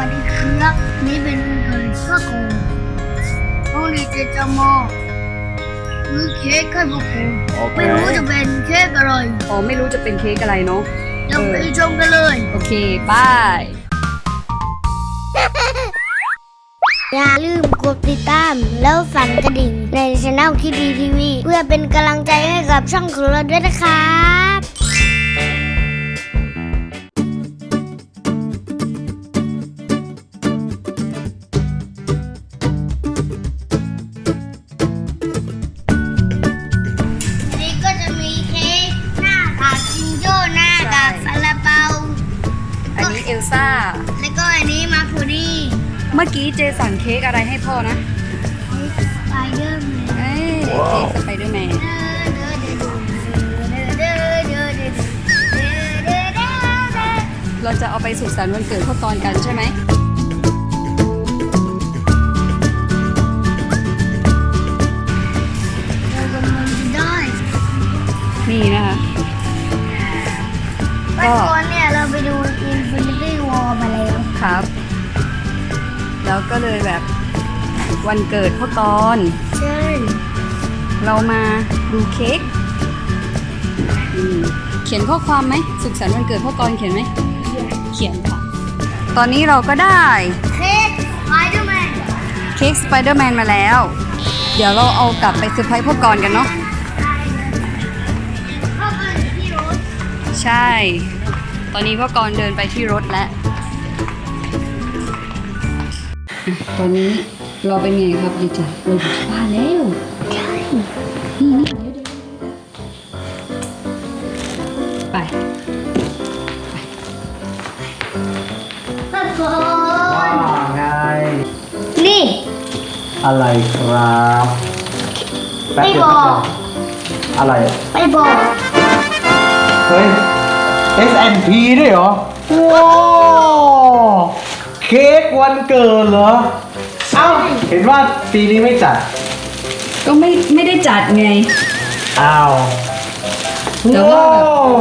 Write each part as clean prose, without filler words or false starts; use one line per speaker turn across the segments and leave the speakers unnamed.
วัสดีครับนี่เป็นเกิดข้าวโกงน้องดีเจจะมาซื้อเค้กให้พวกผมไม่รู้จะเป็นเค้กอะไร
อ๋อไม่รู้จะเป็นเค้กอะไรเนาะ
เดี๋ยวไปชมกันเลย
โอเคบาย
อย่าลืมกดติดตามแล้วสั่นกระดิ่งในช่องคิดดีทีวีเพื่อเป็นกำลังใจให้กับช่องของเราด้วยนะครับนี่ก็จะมีเค้กหน้ากากจิงโจ้หน้ากากซาลาเปา
อันนี้เอลซ่า
แล้วก็อันนี้มาคูรี่
เมื่อกี้เจสั่งเค้กอะไรให้พ่อนะ
สไปเดอร์แมน
เอ้ยเค้กสไปเดอร์แมนเราจะเอาไปสุขสันต์วันเกิดพ่อกรกันใช่ไหมนี่นะคะ
เมื่อก่อนเนี่ยเราไปดู Infinity War มาแล้ว
ครับ แล้วก็เลยแบบวันเกิดพ่อกร
ใช่
เรามาดูเค้กเขียนข้อความไหมสุขสันต์วันเกิดพ่อกรเขียนไหมเขียนค่ะตอนนี้เราก็ได้
เค้กสไปเดอร์แมน
เค้กสไปเดอร์แมนมาแล้ว เดี๋ยวเราเอากลับไปเซอร์ไพรส์พ่อกรกันเนาะ
เข้าไปที่รถ
ใช่ ตอนนี้พ่อกรเดินไปที่รถแล้ว ตอนนี้เราเป็นไงครับดิจ๋าเราอยู่ที่บ้านแล้วใช่นี่ไป
พ่อโก
ว่าไง
นี่
อะไรครับแป๊บ
ไม่
เดียว
บอก
อะไรอะ
ไม่บอก
เฮ้ย S&P ด้วยเหรอ ว้าวเค้กวันเกิดเหรอ เอ้า เห็นว่าปีนี้ไม่จัด
ก็ไม่ได้จัดไง
อ้าว
แต่ว่าแบบ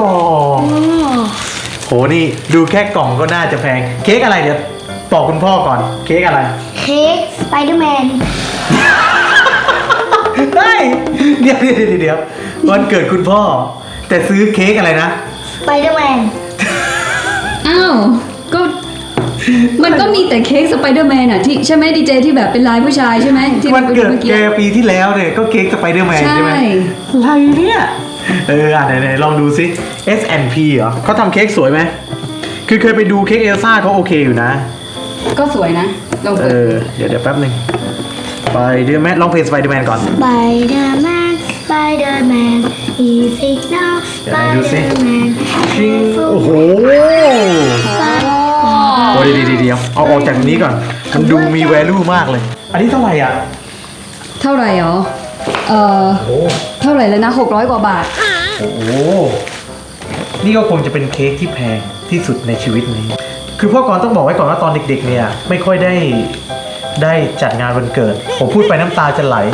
โหนี่ดูแค่กล่องก็น่าจะแพง เค้กอะไรเดี๋ยวบอกคุณพ่อก่อน เค้กอะไร
เค้กสไปเดอร์แมน
เฮ้ยเดี๋ยววันเกิดคุณพ่อ แต่ซื้อเค้กอะไรนะ
สไปเดอร์แมน
อ้าว ก็มันก็มีแต่เค้กสไปเดอร์แมนอ่ะที่ใช่ไหมดีเจที่แบบเป็นลายผู้ชายใช่ไหมที่
วันเกิด
มื่อ
แกปีที่แล้วเนี่ยก็เค้กสไปเดอร์แมนใช่ไหมอะไรเนี่ยไหนลองดูซิ S&P เหรอเขาทำเค้กสวยไหมคือเคยไปดูเค้กเอลซ่าเขาโอเคอยู่นะ
ก็สวยนะลองเปิด
เดี๋ยวแป๊บหนึ่งไปเดอร์แมนลองเพลงสไปเดอร์แมนก่อน
สไปเดอร์แมนสไปเดอร์แมน He's sick now
เดี๋ยวไหนดูสิ
Spider-Man
ชิงโอ้โหโอ้เดี๋ยวเอาออกจากนี้ก่อนมันดูมี value มากเลย อันนี้เท่าไหร่อ่ะ
เท่าไหร่หรอ
โอ้
เท่าไหร่แล้วนะ600กว่าบาท
โอ้โหนี่ก็คงจะเป็นเค้กที่แพงที่สุดในชีวิตนี้ คือพ่อกรต้องบอกไว้ก่อนว่าตอนเด็กๆเนี่ยไม่ค่อยได้จัดงานวันเกิด ผมพูดไปน้ำตาจะไหล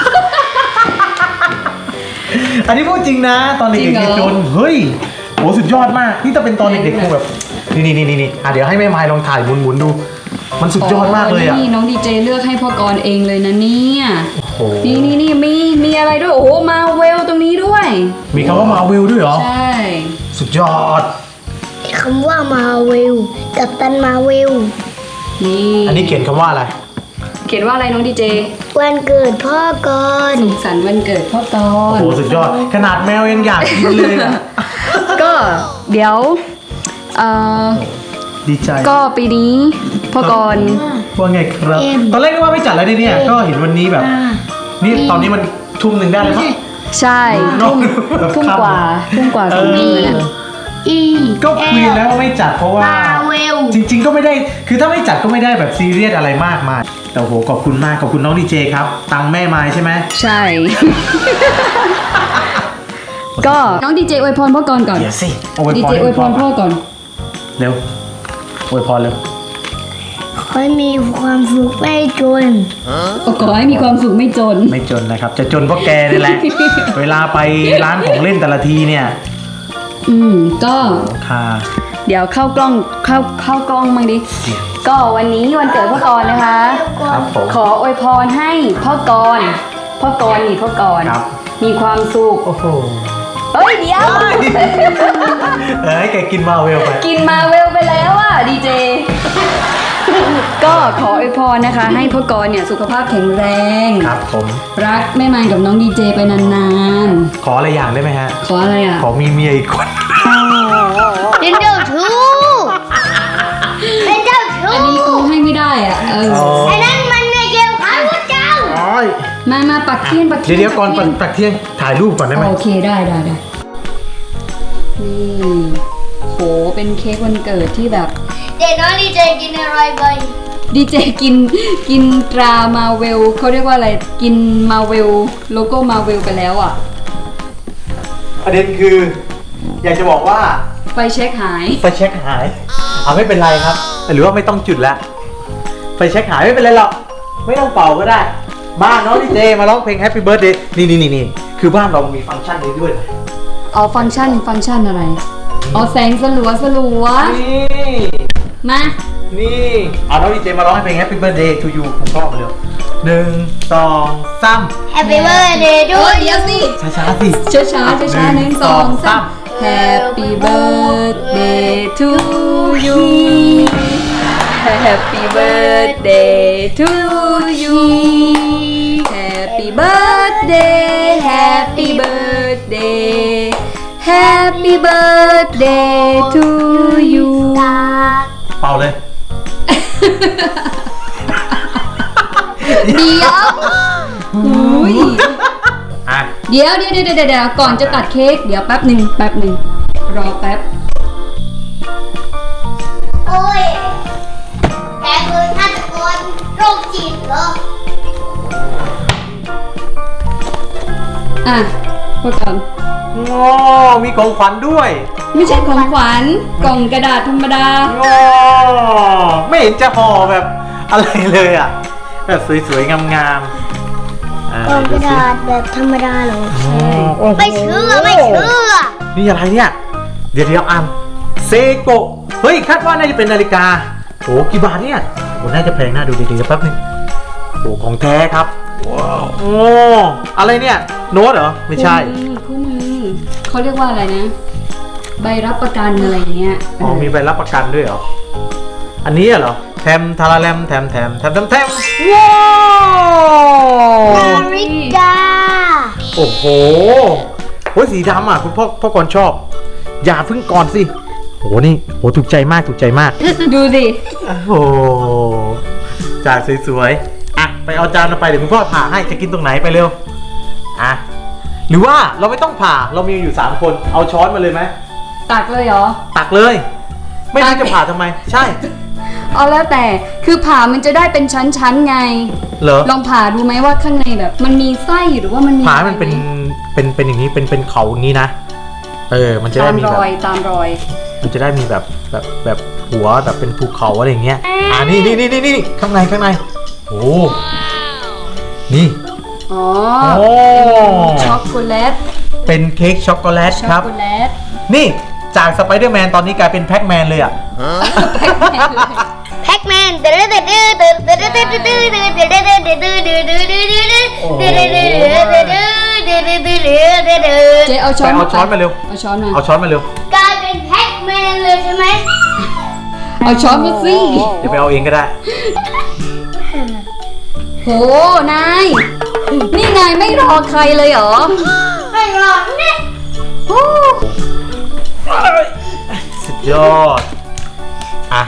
อันนี้พูดจริงนะ ตอนเด็กๆ
จริงเหร
เนี่ย
อ
จนเฮ้ยโหสุดยอดมากนี่ถ้าเป็นตอนเด็กๆคงแบบนี่เดี๋ยวให้แม่ไม้ลองถ่ายหมุนดู มันสุดยอดมากเลยอ่ะ
นี่น้องดีเจเลือกให้พ่อกรเองเลยนะเนี่ย
โอ้โห
นี่มีอะไรด้วยโอ้โหมาเวลตรงนี้ด้วย
มีคำว่ามาวิลด้วยเหรอ
ใช่
สุดยอด
คำว่ามาเวลกับตันมาเวล
นี่
อันนี้เขียนคำว่าอะไร
เขียนว่าอะไรน้องดีเจ
วันเกิดพ่อก่อน
สุขสันต์วันเกิดพ่อก
โอ้
ร
โหสุดยอดขนาดแมวยังอยากกินเลยอ่ะ
ก็เดี๋ยวเอ่อ
ดีใจ
ก็ปีนี้พ่อกร
ว่าไงครับตอนแรกนึกว่าไม่จัดแล้วเนี่ยก็เห็นวันนี้แบบ นี่ตอนนี้มันทุ่มหนึ่งได้แล้วมั้ง
ใช่ทุ่มกว่า2 ทุ่มเลยนะ
อี
ก็คุยแล้วว่าไม่จัดเพราะว่า
มาเวล
จริง ๆ ก็ไม่ได้คือถ้าไม่จัดก็ไม่ได้แบบซีเรียสอะไรมากมายแต่โหขอบคุณมากขอบคุณน้องดีเจครับตังค์แม่ไม้ใช่ไหม
ใช่ ก็น้องดีเจอวยพรพ่อกรก่อน
เดี๋ยวสิอวย
ดี
พร
เจอวยพรพ่อก่อน
เร็วอวยพรเร็ว
ขอให้มีความสุขไม่จน
ขอให้มีความสุขไม่จน
ไม่จนนะครับ จะจนเพราะแกนี่แหละ เวลาไปร้านของเล่นแต่ละทีเนี่ย
ก็
ค่ะ
เดี๋ยวเข้ากล้องเข้ากล้องมั้งดิ ก็วันนี้วันเกิดพ่อกรณ์นะคะ
ครับผม
ขออวยพรให้พ่อกรณ์นี่พ่อกรณ์
ครับ
มีความสุข
โอ้โห
เอ้ยเดี๋ยว
แกกินมาเวลไป
กินมาเวลไปแล้วอ่ะดีเจ ก็ขออวยพรนะคะ ให้พ่อกรณ์เนี่ยสุขภาพแข็งแรง
ครับผม
รักแม่มันกับน้องดีเจไปนาน
ขออะไรอย่างได้ไหมฮะ
ๆ ขออะไรอ่ะ
ขอมีเมียอีกคน
เป็นเจ้าชู้เป็นเจ้าชู้
อันนี้กูให้ไม่ได้อ่ะ
ไอ้นั่นมันไม่เกี่ยวกับพระเจ้า
มาปักเทียนปักเทียน
เดี๋ยวก่อนตักเที่ยงถ่ายรูปก่อนได้ไหม
โอเคได้นี่โหเป็นเค้กวันเกิดที่แบบ
เด็กน้อยดีใจกินอะไรไป
ดีเจกินตรามาเวลเขาเรียกว่าอะไรกินมาเวลโลโก้มาเวลไปแล้วอ่ะ
ประเด็นคือ อยากจะบอกว่า
ไฟเช็คหาย
ไฟเช็คหายไม่เป็นไรครับ หรือว่าไม่ต้องจุดละไฟเช็คหายไม่เป็นไรหรอกไม่ต้องเป่าก็ได้บ้านน้องดีเจมาร้องเพลง Happy Birthday นี่คือบ้านเรามีฟังก์ชันนี้ด้วยนะ
อ๋อฟังก์ชันอะไรอ๋อแสงสลัว
นี่
มา
นี่เอาน้องดีเจมาร้องเพลง Happy Birthday to you ผมชอบเร็ว1 2 3
Happy birthday to
เดี๋ยวสิ
ช้าๆสิ
ช้า1 2 3 Happy birthday to you Happy birthday to you Happy birthday Happy birthday Happy birthday to you
เป่าเลย
เดี๋ยวอุ้ย
อ่ะ
เดี๋ยวก่อนจะตัดเค้กเดี๋ยวแป๊บหนึ่งรอแป๊บ
โอ้ยแกคือฆาตกรโรคจิตเหรอ
อ่ะพวกกัน
โอ้มีของขวัญด้วย
ไม่ใช่ของขวัญกล่องกระดาษธรรมดา
โอ้ไม่เห็นจะห่อแบบอะไรเลยอ่ะ แบบสวยๆ งามๆ
กล่องกระดาษแบบธรรมดาเหรอ
โอ้โห
ไม่เชื่อ
นี่อะไรเนี่ย เดี๋ยวอ่านเซโกะเฮ้ย คาดว่าน่าจะเป็นนาฬิกาโอ้กี่บาทเนี่ยโอ้น่าจะแพงน่าดูดีๆแป๊บนึงโอ้ของแท้ครับ ว้าว โอ้อะไรเนี่ย โน้ตเหรอ ไม่ใช่
คู่มือเขาเรียกว่าอะไรนะ ใบรับประกันอะไรเงี้ย
อ๋อ มีใบรับประกันด้วยเหรอ อันนี้เหรอ แทมทาราแรมแทมว้าว
นาฬิกา
โอ้โหโอ้ยสีดำอ่ะคุณพ่อก่อนชอบ อย่าเพิ่งก่อนสิโหนี่โหถูกใจมาก
ดูสิ
โอ้โหจานสวยๆอ่ะไปเอาจานมาไปเดี๋ยวคุณพ่อผ่าให้จะกินตรงไหนไปเร็วอ่ะหรือว่าเราไม่ต้องผ่าเรามีอยู่3คนเอาช้อนมาเลยไหม
ตักเลยเหรอ
ตักเลย ไม่รู้จะผ่าทำไม ใช่
เอาแล้วแต่คือผ่ามันจะได้เป็นชั้นๆไง
เหรอ
ลองผ่าดูไหมว่าข้างในแบบ มันมีไส้หรือว่ามันมี
ผ่าให้มันเป็นอย่างนี้เป็นเขาอย่างนี้นะมันจะ
ตา
ได้
ม
มี
ร
แบบ
อยตามรอย
มันจะได้มีแบบหัวแบบเป็นภูเขาอะไรอย่างเงี้ยนี่ข้างในโอ้นี่
อ๋อ
โอ้
ช็อกโกแลต
เป็นเค้กช็อกโกแลต
ช็อก
ครับ
โกแลต
นี่จากสไปเดอร์แมนตอนนี้กลายเป็นแพ็กแมนเลยอ่ะ
แพ็กแมน
เจ๊เอาช้อน
เอาช้อนมาเร็ว
เอาช้อนมา
เอาช้อนมาเร็ว
กลายเป็นแพ็กแมนเลยใช่ไหม
เอาช้อนมาสิ
เดี๋ยวไปเอาเองก็ได้
โหนายนี่นายไม่รอใครเลยเหรอ
ไม่หรอกเนี่ย
โอ้
สุดยอดอ่ะ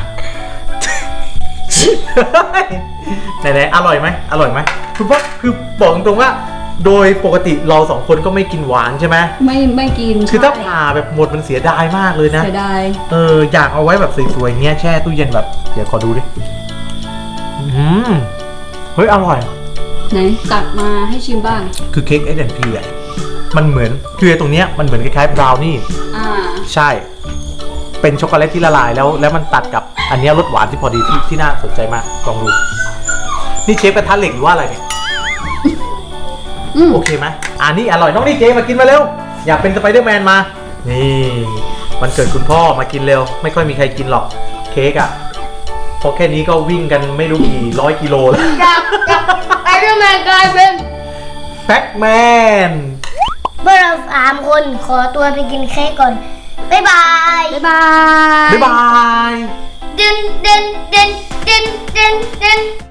ไหนๆอร่อยไหมคุณพ่อคือบอกตรงๆว่า โดยปกติเรา2คนก็ไม่กินหวานใช่ไหม
ไม่กิน
คือถ้า
ใช่
ผ่าแบบหมดมันเสียดายมากเลยนะ
เสียดาย
อยากเอาไว้แบบสวยๆเงี้ยแช่ตู้เย็นแบบเดี๋ยวขอดูดิเฮ้ยอร่อย
ไหนตักมาให้ชิมบ้าง
คือเค้ก S&P อ่ะมันเหมือนคือตรงเนี้ยมันเหมือนคล้ายๆบราวนี่ ใช่เป็นช็อกโกแลตที่ละลายแล้วมันตัดกับอันเนี้ยรสหวานที่พอดีที่น่าสนใจมากลองดูนี่เชฟกระทะเหล็กหรือว่าอะไรเนี่ยโอเคไหมนี่อร่อยน้องดีเจมากินมาเร็วอยากเป็นสไปเดอร์แมนมานี่วันเกิดคุณพ่อมากินเร็ว ไม่ค่อยมีใครกินหรอกเค้กอ่ะเพราะแค่นี้ก็วิ่งกันไม่รู้กี่ร้อยกิโลแล้ว
จากไปเรื่องแมนกลายเป็น
แบ็กแมน
เมื่อเรา3 คนขอตัวไปกินเค้กก่อน บ๊ายบาย
บ๊ายบาย
บ๊ายบาย
ดึน